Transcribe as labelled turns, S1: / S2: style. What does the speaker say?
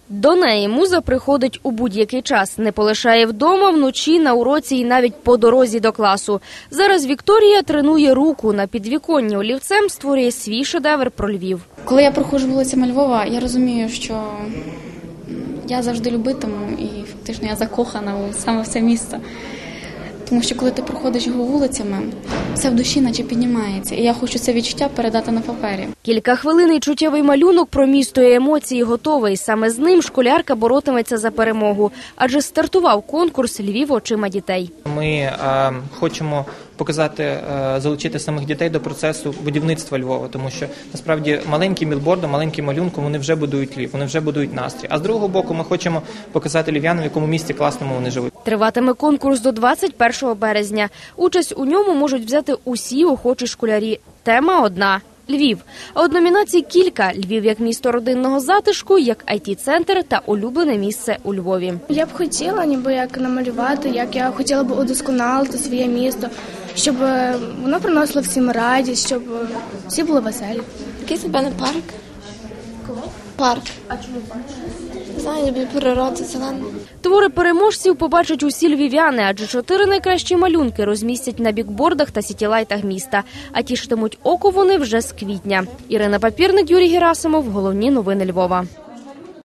S1: До неї муза приходить у будь-який час, не полишає вдома, вночі, на уроці і навіть по дорозі до класу. Зараз Вікторія тренує руку, на підвіконні олівцем створює свій шедевр про Львів.
S2: Коли я проходжу вулицями Львова, я розумію, що я завжди любитиму і фактично я закохана саме в це місто. Тому що коли ти проходиш його вулицями, все в душі наче піднімається. І я хочу це відчуття передати на папері.
S1: Кілька хвилин і чуттєвий малюнок про місто і емоції готовий. Саме з ним школярка боротиметься за перемогу. Адже стартував конкурс «Львів очима дітей».
S3: Ми хочемо показати, залучити самих дітей до процесу будівництва Львова, тому що насправді маленьким білбордом, маленьким малюнком вони вже будують Львів, вони вже будують настрій. А з другого боку ми хочемо показати львів'янам, в якому місті класному вони живуть.
S1: Триватиме конкурс до 21 березня. Участь у ньому можуть взяти усі охочі школярі. Тема одна – Львів. А от номінацій кілька – Львів як місто родинного затишку, як IT-центр та улюблене місце у Львові.
S4: Я б хотіла ніби як намалювати, як я хотіла б удосконалити своє місто, щоб воно приносило всім радість, щоб всі були веселі.
S5: Якийсь, напевно, парк. Парк. А чому парк? Знаю, люблю природу, зелену.
S1: Твори переможців побачать усі львів'яни, адже 4 найкращі малюнки розмістять на бікбордах та сітілайтах міста. А тішитимуть око вони вже з квітня. Ірина Папірник, Юрій Герасимов. Головні новини Львова.